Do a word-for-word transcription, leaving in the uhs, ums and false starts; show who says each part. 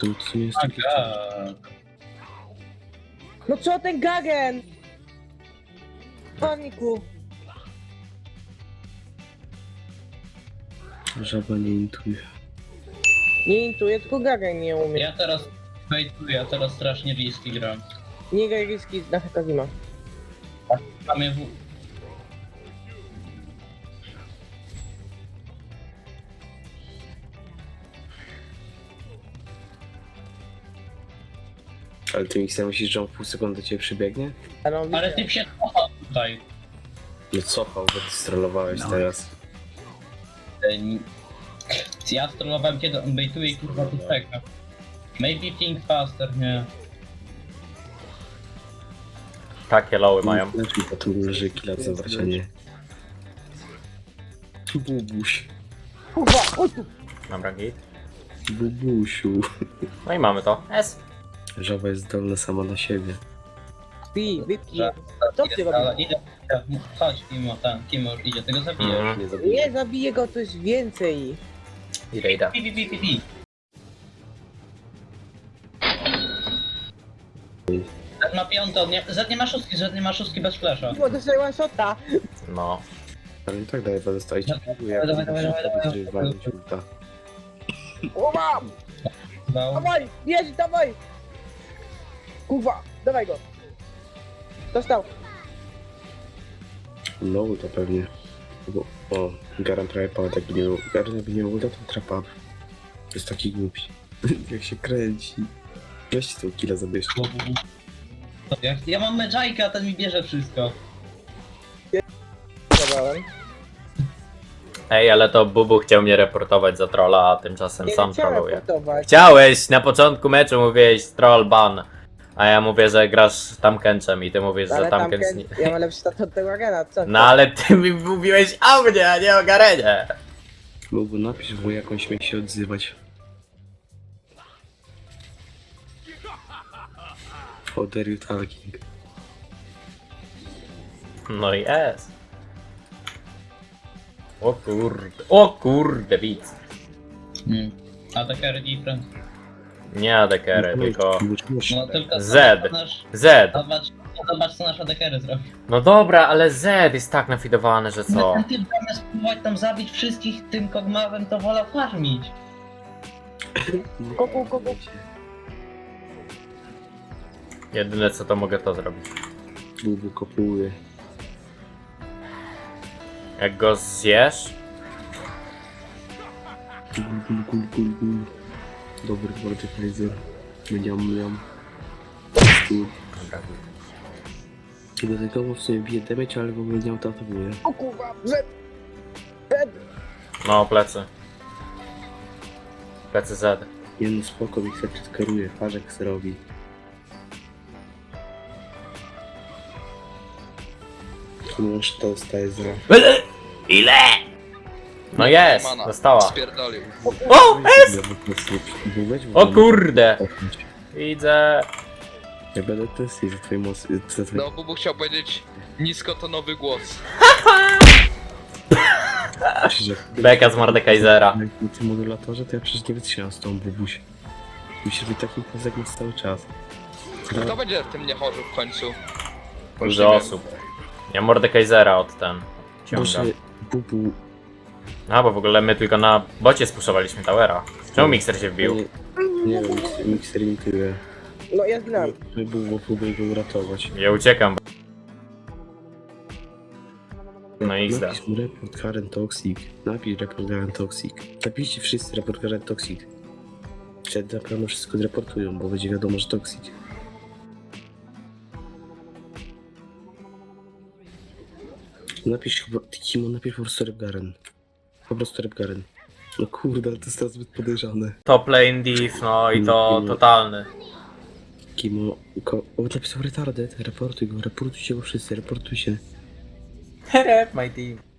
Speaker 1: To, to nie jest takie
Speaker 2: Aga.
Speaker 3: No co ten Gagen? Paniku.
Speaker 1: Żaba nie intuje.
Speaker 3: Nie intuję, tylko Gagen nie umie.
Speaker 2: Ja teraz bejtuję, ja teraz strasznie riski gram.
Speaker 3: Nie graj riski na Hekazima.
Speaker 2: Mamy w...
Speaker 1: Ale ty Mixer myślisz, że on w pół sekundy do ciebie przybiegnie?
Speaker 3: Ale, on
Speaker 2: Ale
Speaker 3: wisi-
Speaker 2: typ się cofał tutaj.
Speaker 1: Nie cofał, bo ty strollowałeś teraz.
Speaker 2: Ej, Ja strollowałem kiedy on bejtuje i kurwa tu czeka. Maybe think faster, nie.
Speaker 4: Takie loły mają.
Speaker 1: Lepiej potem leży killa zabrać, a nie. Bubuś.
Speaker 3: Kurwa, oj tu.
Speaker 4: Dobra, git.
Speaker 1: Bubusiu.
Speaker 4: No i mamy to. S.
Speaker 1: Żaba jest zdolna sama na siebie.
Speaker 3: Pi, wypij.
Speaker 2: Że-
Speaker 3: Co ty
Speaker 2: Ale
Speaker 3: robisz?
Speaker 2: idę, idę. Chodź Kimo, ten, Kimo już idzie, tego zabijesz.
Speaker 4: Mhm.
Speaker 1: Nie zabiję.
Speaker 3: Nie zabiję go, to jest więcej.
Speaker 4: Idę, idę.
Speaker 2: Pi, pi, pi, pi, pi. Zed ma piątą, nie, Zed nie ma szóstki, Zed nie ma szóstki bez flasha.
Speaker 3: Bo dostaję one shota.
Speaker 4: No.
Speaker 1: Ale i tak dalej będę stać.
Speaker 2: Dawaj, dawaj, dawaj, dawaj, dawaj.
Speaker 3: O mam!
Speaker 2: Dał.
Speaker 3: Dawaj, jedź, dawaj! Kurwa, dawaj go. Dostał.
Speaker 1: No to pewnie. Bo, o, Garan prawie padł, jakby nie był. Garan jakby nie był, to trapa. Jest taki głupi. Jak się kręci. Weźcie tą killa zabierz.
Speaker 2: Ja, ja mam Medjayka, a ten mi bierze wszystko.
Speaker 3: Zabrałem.
Speaker 4: Ej, ale to Bubu chciał mnie reportować za trolla, a tymczasem
Speaker 3: Nie
Speaker 4: sam
Speaker 3: chciałem
Speaker 4: trolluje.
Speaker 3: raportować.
Speaker 4: Chciałeś, na początku meczu mówiłeś troll ban. A ja mówię, że grasz Tamkenczem i ty mówisz, że
Speaker 3: Ale tam
Speaker 4: Tamken... nie-
Speaker 3: ja mam lepszy stat od tego Gena, co?
Speaker 4: No ale ty mi mówiłeś o mnie, a nie o Garenie.
Speaker 1: Mógłby napisz, bo jakąś śmie się odzywać. How dare you talking?
Speaker 4: No i S. O kurde, o kurde, widz.
Speaker 2: Hmm. A te carry different.
Speaker 4: Nie adekery, tylko
Speaker 2: No tylko
Speaker 4: Z.
Speaker 2: zobacz, nasz,
Speaker 4: Z.
Speaker 2: zobacz, zobacz co nasz adekery zrobił.
Speaker 4: No dobra, ale Z jest tak nafidowany, że co?
Speaker 2: Ten typ zamiast spróbować tam zabić wszystkich tym kogmawem, to wolał farmić.
Speaker 3: Koku, koku.
Speaker 4: Jedyne co to mogę to zrobić.
Speaker 1: Bubu kopuje.
Speaker 4: Jak go zjesz,
Speaker 1: Gul, gul, gul, gul, gul. Dobry Mordekaiser. Mniam, mniam. Tu.
Speaker 4: dobra,
Speaker 1: Dodatkowo w sumie bije damage, ale w ogóle nie autoatakuje.
Speaker 3: O kurwa, Z. Z.
Speaker 4: no plecy. Plecy Z.
Speaker 1: Nie no spoko, mi chce kieruje, patrz jak se robi. Tu masz to staje za...
Speaker 4: Ile? No jest,
Speaker 5: Mana.
Speaker 4: dostała.
Speaker 5: Spierdolił.
Speaker 4: O, S! O
Speaker 1: kur...
Speaker 4: kurde, widzę.
Speaker 1: Ja będę testy za twoje mocy, za twoje...
Speaker 5: No, Bubu chciał powiedzieć niskotonowy głos.
Speaker 1: że...
Speaker 4: Beka z Mordekaisera.
Speaker 1: Jak na tym modulatorze, to ja przecież nie wytrzymam z tą bubuś. Musisz być takim kozegiem cały czas.
Speaker 5: Kto będzie w tym niechorzu w końcu? Już
Speaker 4: Dużo
Speaker 5: nie wiem.
Speaker 4: osób. Ja Mordekaisera od ten
Speaker 1: Boże,
Speaker 4: ciągam.
Speaker 1: bubu...
Speaker 4: A, bo w ogóle my tylko na bocie spuszowaliśmy towera. Czemu Mixer się wbił?
Speaker 1: Nie, nie wiem, mikser- mikser imituje.
Speaker 3: No ja zginąłem.
Speaker 1: My bubu próbuje go uratować.
Speaker 4: Ja uciekam. No i zda.
Speaker 1: Napisz mu report Karen Toxic. Napisz report Karen Toxic. Napiszcie wszyscy report Karen Toxic. Wtedy na pewno wszystko zreportują, bo będzie wiadomo, że Toxic. Napisz chyba, Kimo, napisz po prostu rep Garen. Po prostu rep Garen. No kurde, ale to jest teraz zbyt podejrzane.
Speaker 4: Top lane div, no i to totalny.
Speaker 1: Kimo, ko... o, napisał retarded, reportuj go, reportujcie go wszyscy, reportuj się.
Speaker 4: Rep my team.